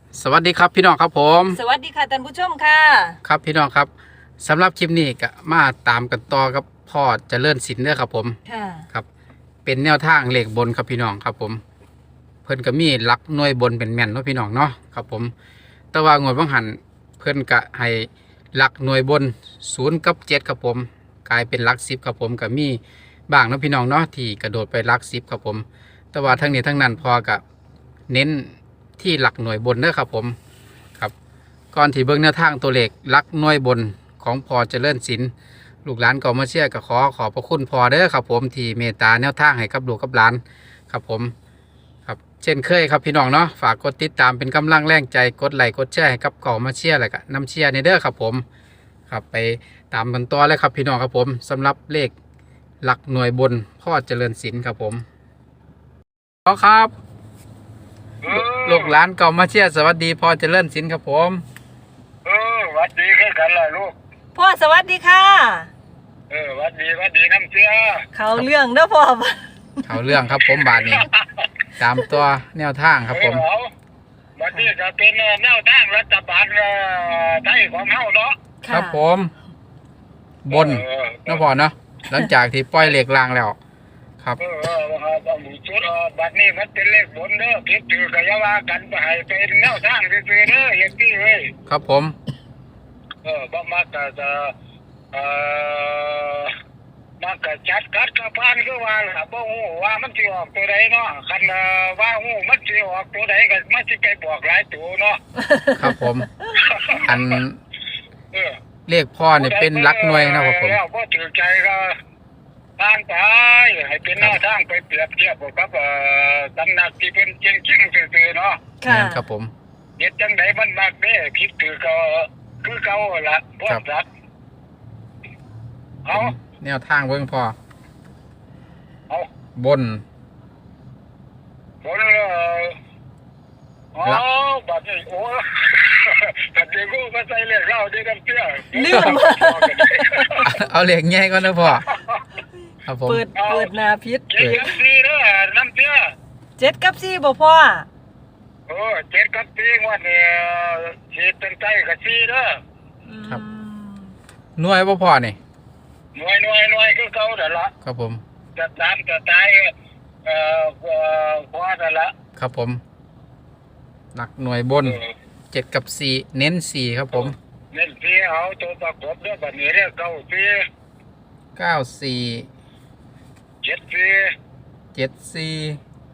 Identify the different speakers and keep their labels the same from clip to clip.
Speaker 1: สวัสดีครับพี่น้องครับผม
Speaker 2: สวัสดีค่ะท่านผู้ชมค่ะ
Speaker 1: ครับพี่น้องครับสำหรับคลิปนี้ก็มาตามกันต่อกับพ่อเจริญศิลป์เด้อครับผม
Speaker 2: ค่ะ
Speaker 1: ครับเป็นแนวทางเลขบนครับพี่น้องครับผมเพิ่นก็มีหลักหน่วยบนเป็นแม่นเนาะพี่น้องเนาะครับผมแต่ว่างวดบางหันเพิ่นก็ให้หลักหน่วยบน0กับ7ครับผมกลายเป็นหลัก10ครับผมก็มีบ้างเนาะพี่น้องเนาะที่กระโดดไปหลัก10ครับผมแต่ว่าทั้งนี้ทั้งนั้นพอก็เน้นที่หลักหน่วยบนเด้อครับผมครับก่อนที่เบิ่งแนวทางตัวเลขหลักหน่วยบนของพอเจริญศิลป์ลูกหลานก็มาเชื่อก็ขอพระคุณพอเด้อครับผมที่เมตตาแนวทางให้กับลูกกับหลานครับผมครับเช่นเคยครับพี่น้องเนาะฝากกดติดตามเป็นกำลังแรงใจกดไลค์กดแชร์ให้กับก่อมาเชียร์แล้วก็นำเชียร์ในเด้อครับผมครับไปตามกันต่อเลยครับพี่น้องครับผมสำหรับเลขหลักหน่วยบนพ่อเจริญศิลป์ครับผมพ่อครับลูกหลานก่อมาเชียร์สวัสดีพ่อเจริญศิลป์ครับผม
Speaker 3: หวัดดีคือกันล่ะลูก
Speaker 2: พ่อสวัสดีค่ะ
Speaker 3: หวัดดีน้ำเชื่อ
Speaker 2: เขาเรื่องเด้อพ่อ
Speaker 1: เขาเรื่องครับผมบาทนี้ตามตัวแนวทางครับผม
Speaker 3: หวัดดีก็เป็นแนวทางรัฐบาลไทยของเฮาเนาะ
Speaker 1: ครับผมบนนะพ่อเนาะหลังจากที่ปล่อยเหล็กรางแล้วครับ
Speaker 3: ชุดบัดนี้มันเป็นเลขบนเด้อคิดถือก็อย่าว่ากันไปให้เป็นแนวทางซื่อๆเด้ออย่างที่เว้ย
Speaker 1: ครับผม
Speaker 3: บ่มักจะมันก็จัดกัดกระพานคือว่าล่ะบ่ฮู้ว่ามันสิออกตัวใดเนาะคันว่าฮู้มันสิออกตัวใดก็มันสิไปบอกหลายตัวเนาะ
Speaker 1: ครับผมอันเลขพ่อเนี่ยเป็นหลักหน่วยนะครับผม
Speaker 3: แล้วบ่ถือใจก็ทางไปให้เป็นแนวทางไปเปรียบเทียบกับตำหนักที่เป็นจริงๆซื่อๆเนาะ
Speaker 1: ค่ะครับผม
Speaker 3: เฮ็ดจังไดมันมักเด้คิดถือก็คือเก่าล่ะพวกสัตว์เอา
Speaker 1: แนวทางเบิ่งพ่อบบน
Speaker 3: บัดนี้โอ้บัดนี้กูมาใส่เลขเล่าได้กันเตี้ย
Speaker 2: ลืม
Speaker 1: เอาเลขใหญ่ก่อนนะพ่อครับผม
Speaker 2: เปิดหน้าพิษ
Speaker 3: 7กับ4เด้อน้ำเตี้ย
Speaker 2: 7กับ4บ่พ่อ
Speaker 3: 7กับ4งวดนี้สิเป็นใจกับ4เด้อ
Speaker 1: ครับหน่วยบ่พ่อนี่
Speaker 3: หน่วยคือเก่านั่นล่ะ
Speaker 1: ครับผม
Speaker 3: จะตามจะตายพอนั่นล่ะ
Speaker 1: ครับผมหลักหน่วยบน7กับ4เน้น4ครับผม
Speaker 3: เน้น4เอาตัวประกบเด้อบัดนี้เด้อ94 74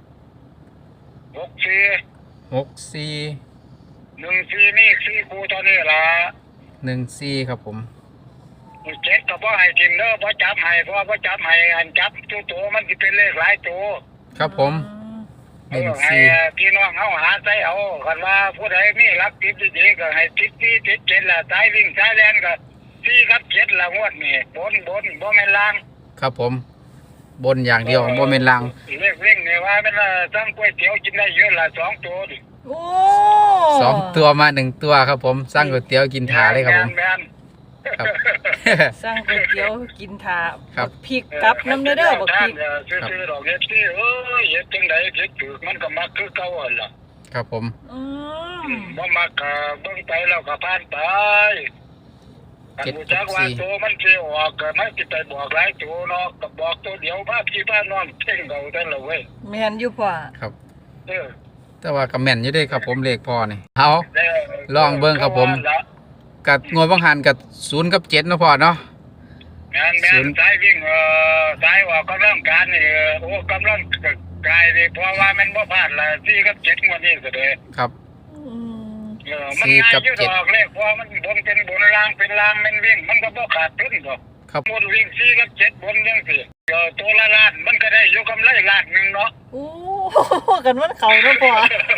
Speaker 3: 14นี่4คู่เท่านี้ล่ะ
Speaker 1: 14ครับผม
Speaker 3: 7ก็บ่ให้ทิมเด้อบ่จับให้เพราะบ่จับให้อันจับตัวมันสิเป็นเลขหลายตัว
Speaker 1: ครับผม
Speaker 3: ให้พี่น้องเฮาหาใส่เอาคันว่าผู้ใดมีหลักติดดีๆก็ให้ติด4ติด7ล่ะสายวิ่งสายแล่นก็4กับ7ละงวดนี่บนบ่แม่นล่าง
Speaker 1: ครับผมบนอย่างเดียวบ่แม่นล่าง
Speaker 3: เลขวิ่งนี่ว่ามันสั่งก๋วยเตี๋ยวกินได้เยอะละ2ตัวดิ
Speaker 2: โอ้
Speaker 1: 2ตัวมา1ตัวครับผมสั่งก๋วยเตี๋ยวกินถาเลยครับผม
Speaker 2: ครับสั่งก๋วยเตี๋ยวกินถาพริกกับน้ำเด้อบักพริก
Speaker 3: ซื้อดอกเฮ็ดที่เฮ็ดจังได๋เฮ็ดถูกมันก็มักคือเก่าหั่นล่ะ
Speaker 1: ครับผม
Speaker 3: บ่มักก็เบิ่งไปแล้วก็ผ่านไปอันรู้จักว่าตัวมันสิออกก็มันสิไปบอกหลายตัวเนาะก็บอกตัวเดียวพาพี่พาน้องเพ่งเอาแต่ละเว้ย
Speaker 2: แม่นอยู่พ่อ
Speaker 1: ครับแต่ว่าก็แม่นอยู่เด้ครับผมเลขพ่อนี่เอาลองเบิ่งครับผมกับงวดบางหันกับ0กับ7นะพ่อเนาะ
Speaker 3: แม่นสายวิ่งสายออกกำลังการนี่กำลังกายนี่เพราะว่ามันบ่พลาดละ4กับ7งวดนี้ก็ได้
Speaker 1: ครับ
Speaker 3: มันง่ายอยู่ดอกเลขเพราะมันบนเป็นบนล่างเป็นล่างมันวิ่งมันก็บ่ขาดทุนดอก
Speaker 1: ครับ
Speaker 3: หมดวิ่ง4กับ7บนจังซี่ตัวละล้านมันก็ได้อยู่กำไรล้านนึงเนาะ
Speaker 2: โอ้กันมันเข้าเนาะพ่อ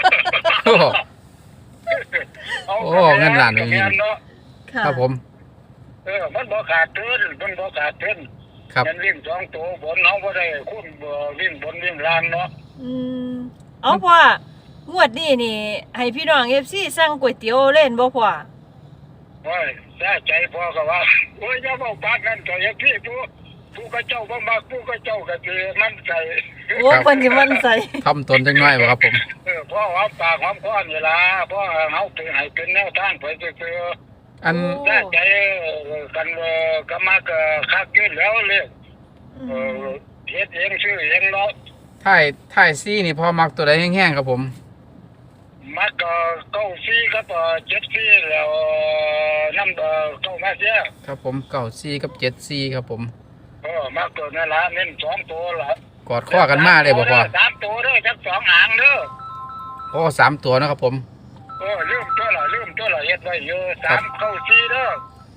Speaker 1: โอ้เงินล้านเลยครับผม
Speaker 3: มันบ่ขาดทุนมันวิ่ง2ตัวบนเฮาบ่ได้คุณวิ่งบนวิ่งล่างเนาะ
Speaker 2: เอาพ่องวดนี้นี่ให้พี่น้อง FC สั่งก๋วยเตี๋ยวเล่นบ่พ่อ
Speaker 3: โอ้ยใจพ่อก็ว่าโอ้ยอย่าเว้าปากนั้นก็อย่าพี่ผู้ผู้ก็เจ้าบ่มักผู้ก็เจ้าก็สิมันใจ
Speaker 2: โอ้เพิ่นสิมันใส่
Speaker 1: ทำตนจังน้อยบ่ครับผม
Speaker 3: พ่อหอมปากหอมคอนี่ล่ะพ่อเฮาเป็นให้เป็นแนวทางไปซื่อ
Speaker 1: อัน
Speaker 3: ๆแต่ใจกันก็มักคักอยู่แล้วเลยเฮ็ดเองชื่อเองเนาะ
Speaker 1: ถ่ายซี่นี่พอมักตัวใดแห้งๆครับผม
Speaker 3: มักเก้าซี่ครับเจ็ดซี่แล้วน้ำเก้ามาเสีย
Speaker 1: ครับผมเก่าซี่กับเจ็ดซี่ครับผม
Speaker 3: มักตัวนั่นล่ะเน้น2ตัวล่ะ
Speaker 1: กอดข้อกันมาเลยบ่พอ
Speaker 3: 3ตัวเด้อจัก2หางเด้อ
Speaker 1: โอ้3ตัวนะครับผม
Speaker 3: ลืมตัวละเฮ็ดไว้อยู่3 9 4เด้อ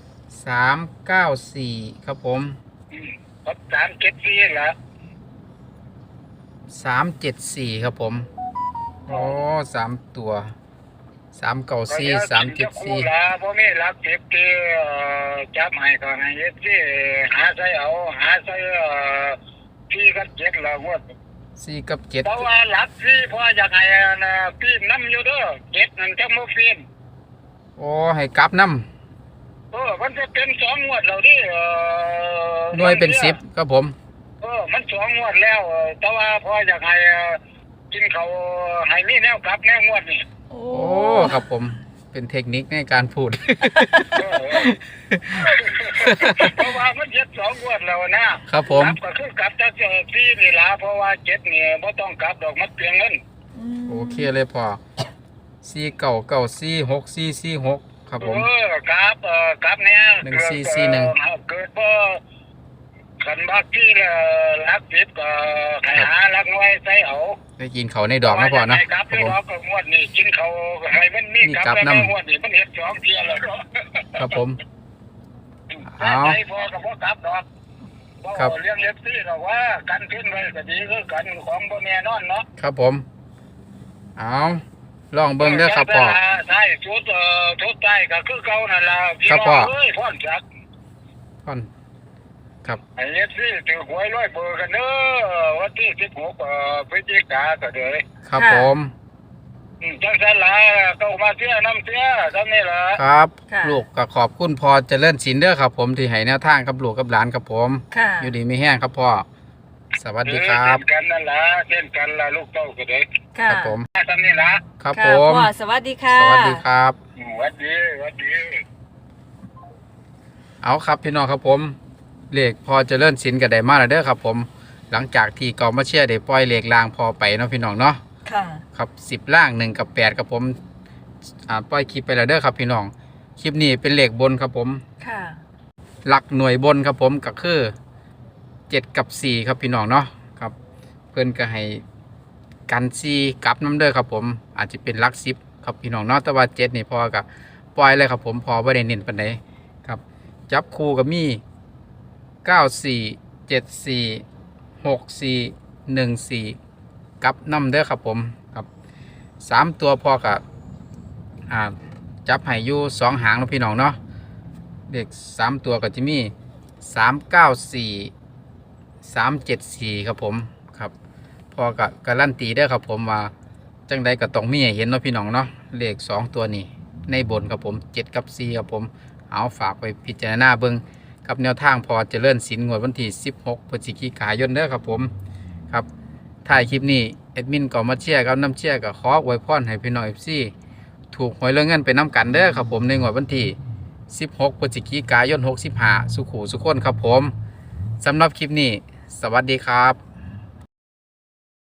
Speaker 1: 394ครับผม
Speaker 3: ครับ3 7 4ล่ะ
Speaker 1: 374ครับผมโอ้3ตัว394 374
Speaker 3: ล่ะบ่มีหลัก10ที่จับให้ก็ให้เฮ็ดสิหาใส่เอาหาใส่ที่กับ7ละงวด
Speaker 1: 4กับ
Speaker 3: เพราะว่าหลักที่พ่ออยากให้ปีนน้ำอยู่เด้อ7นั่นจะบ่ปีน
Speaker 1: 7โอ้ให้กลับน้
Speaker 3: มันจะเป็น2งวดแล้วดิ
Speaker 1: ำหน่วยเป็น10ครับผม
Speaker 3: มัน2งวดแล้วแต่ว่าพ่ออยากให้กินเขาวให้มีแนวกลับแนวงวดนี่
Speaker 2: โอ้
Speaker 1: โอ้ครับผมเป็นเทคนิคในการพูด
Speaker 3: เพราะว่ามันเจ็ด2งวดแล้วนะครับ
Speaker 1: ผม
Speaker 3: กลับก็คือกลับจะ4นี่ล่ะเพราะว่า7นี่บ่ต้องกลับดอกมันเปลืองเงิน
Speaker 1: โอเคเลยพอ49946446ครับผม
Speaker 3: กลับเนี่ย
Speaker 1: 1441
Speaker 3: เกิดบ่คันบักที่รักผิดก็ให้หารักน้อยใส่เอา
Speaker 1: ได้กินเขาในดอกนะพอเนาะ
Speaker 3: กลับ
Speaker 1: ครับ
Speaker 3: ที่
Speaker 1: ผม
Speaker 3: ดอกก็งวดนี่กินเขาให้มันมีกลับแล้วงวดนี่มันเฮ็ด2เที่ยแล้วเนาะ
Speaker 1: ครับผม เอา
Speaker 3: ใจพอก็บ่กลับดอก
Speaker 1: ครับ
Speaker 3: เรื่องเล็บซี่ดอกว่ากันขึ้นไว้ก็ดีคือกันของบ่แน่นอนเนาะ
Speaker 1: ครับผมเอาลองเบิ่งเด้อครับพ่อ
Speaker 3: ใช่ชุดใต้ก็คือเก่านั่นล่ะพี่
Speaker 1: ครับ
Speaker 3: น้
Speaker 1: พ่อ
Speaker 3: องเอ้ยพ่อนจัก
Speaker 1: พ่อนครับ
Speaker 3: ไอ้เล็บซี่ถือหวยร้อยเบอร์กันเด้อวันที่16พฤศจิกาก็เด้อ
Speaker 1: ครับผม
Speaker 3: จังซั่นล่ะเข้ามาเสียน้ำเสียซำนี้ล่ะ
Speaker 1: ครับ
Speaker 2: ค่ะ
Speaker 1: ลูกก็ขอบคุณพ่อเจริญศิลป์เด้อครับผมที่ให้แนวทางกับลูกกับหลานครับผม
Speaker 2: ค่ะ
Speaker 1: อยู่ดีมีแห้งครับพ่อสวัสดีครับ
Speaker 3: เช่นกันนั่นล่ะเช่นกันล่ะลูกเต้าก็เด้อ
Speaker 2: ค่ะ
Speaker 1: ครับผม
Speaker 3: ซำนี้ล่ะ
Speaker 1: ครับ
Speaker 2: ค่ะ
Speaker 1: ผม
Speaker 2: พ่อสวัสดีค่ะ
Speaker 1: สวัสดีครับ
Speaker 3: หวัดดีหวัดดี
Speaker 1: เอาครับพี่น้องครับผมเลขพอเจริญศิลป์ก็ได้มาแล้วเด้อครับผมหลังจากที่กองมาเชียร์ได้ปล่อยเลขลางพอไปเนาะพี่น้องเนาะ
Speaker 2: ค่ะ
Speaker 1: ครับ10ล่าง1กับ8ครับผมปล่อยคลิปไปแล้วเด้อครับพี่น้องคลิปนี้เป็นเลขบนครับผม
Speaker 2: ค่ะ
Speaker 1: หลักหน่วยบนครับผมก็คือ7กับ4ครับพี่น้องเนาะครับเพื่อนก็ให้กัน4กลับน้ำเด้อครับผมอาจจะเป็นหลัก10ครับพี่น้องเนาะแต่ว่า7นี่พอกับปล่อยเลยครับผมพอบ่ได้เน้นปานใดครับจับคู่กับมี94 74 64 14กับน้ำเด้อครับผมครับ3ตัวพอกับจับให้อยู่2หางเนาะพี่น้องเนาะเลข3ตัวก็จะมี394 374ครับผมครับพอกับการันตีได้อครับผมว่าจังใดก็ต้องมีให้เห็นเนาะพี่น้องเนาะเลข2ตัวนี้ในบนครับผม7กับ4ครับผมเอาฝากไปพิจารณาเบิ่งกับแนวทางพอเจริญศิลป์งวดวันที่16พฤศจิกายนเด้อครับผมครับถ่ายคลิปนี้แอดมินก็มาเชียร์กับน้ำเชียร์ก็ขออวยพรให้พี่น้อง FC ถูกหวยเรื่องเงินไปน้ำกันเด้อครับผมในงวดวันที่16พฤศจิกายน65สุขุสุขคนครับผมสำหรับคลิปนี้สวัสดีครับ